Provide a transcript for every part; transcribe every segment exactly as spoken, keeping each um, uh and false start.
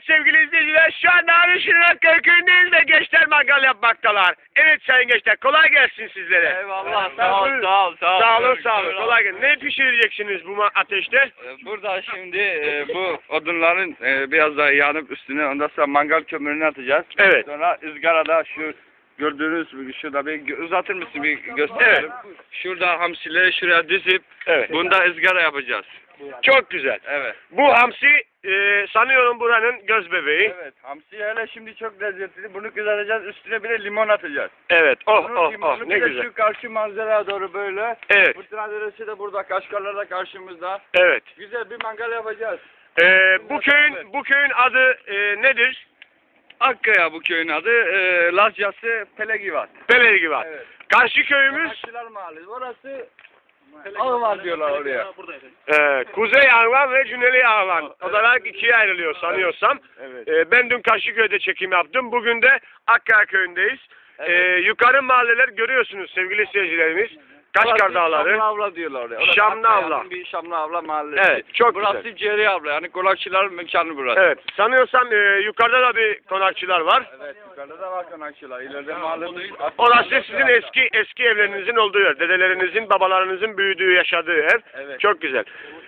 sevgili izleyiciler, şu anda Arışınlar Köyü'ndeyiz ve gençler mangal yapmaktalar. Evet sayın gençler, kolay gelsin sizlere. Eyvallah, sağ ol, sağ ol, sağ ol. Sağ olun, sağ olun, kolay gelsin. Ne pişireceksiniz bu ateşte? Burada şimdi e, bu odunların e, biraz daha yanıp üstüne, ondan sonra mangal kömürünü atacağız. Evet. Sonra ızgarada şu gördüğünüz, şurada bir uzatır mısın bir gösterelim. Evet. Şurada hamsileri şuraya dizip, evet. Bunda ızgara yapacağız. Çok güzel. Evet. Bu hamsi e, sanıyorum buranın göz bebeği. Evet. Hamsi hele şimdi çok lezzetli. Bunu kızartacağız. Üstüne bir de limon atacağız. Evet. Oh Bunun oh limonu oh ne bir de güzel. Şu karşı manzaraya doğru böyle. Evet. Fırtına Deresi de burada. Kaşgarlar da karşımızda. Evet. Güzel bir mangal yapacağız. E, bu köyün bu köyün adı e, nedir? Akkaya bu köyün adı. E, Lazcası Pelegivat. Belediyevat. Evet. Karşı köyümüz Konakçılar Mahallesi. Orası Ağvar diyorlar oraya. e, Kuzey Ağlan ve Cüneyli Ağlan olarak ikiye ayrılıyor sanıyorsam. Evet. E, ben dün Karşıköy'de çekim yaptım. Bugün de Akkaya köyündeyiz. Evet. E, yukarı mahalleler görüyorsunuz sevgili seyircilerimiz. Kaşgar Dağları. Şamlı Avla diyorlar oraya. Orası Şamlı Akkaya'nın Avla. Bir Şamlı Avla mahallesi. Evet, çok burası güzel. Ceri Avla, yani konakçıların mekanı burası. Evet. Sanıyorsam e, yukarıda da bir konakçılar var. Evet, yukarıda da var konakçılar. İleride mahallemiz. Orası sizin eski eski evlerinizin olduğu yer. Dedelerinizin, babalarınızın büyüdüğü, yaşadığı ev. Evet. Çok güzel.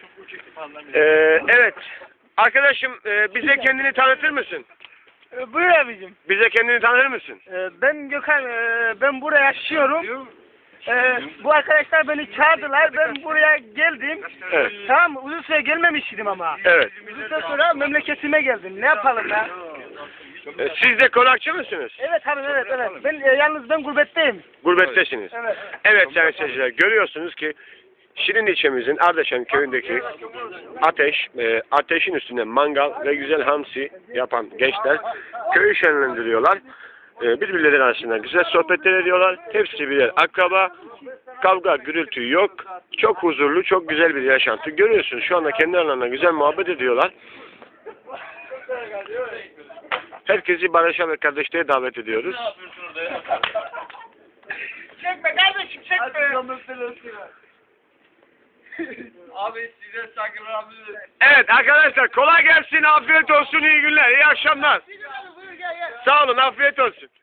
E, evet. Arkadaşım e, bize kendini tanıtır mısın? Ee, Buyur abicim. Bize kendini tanır mısın? Ee, Ben Gökhan, ee, ben buraya yaşıyorum. Ee, bu arkadaşlar beni çağırdılar, ben buraya geldim. Evet. Tamam mı? Uzun süre gelmemiştim ama. Evet. Uzun süre sonra memleketime geldim. Ne yapalım ya? E, siz de konakçı mısınız? Evet abi, evet, evet. Ben e, yalnız ben gurbetteyim. Gurbettesiniz. Evet. Evet sayın seyirciler, görüyorsunuz ki Şirin ilçemizin Ardeşen köyündeki ateş, e, ateşin üstünde mangal ve güzel hamsi yapan gençler köyü şenlendiriyorlar. E, birbirleri arasında güzel sohbetler ediyorlar. Hepsi birer akraba. Kavga, gürültü yok. Çok huzurlu, çok güzel bir yaşantı. Görüyorsunuz şu anda kendi aralarında güzel muhabbet ediyorlar. Herkesi barışa ve kardeşliğe davet ediyoruz. Çekme kardeşim, çekme. Abi size saygılar abi. Evet arkadaşlar, kolay gelsin, afiyet olsun, iyi günler, iyi akşamlar. Sağ olun, afiyet olsun.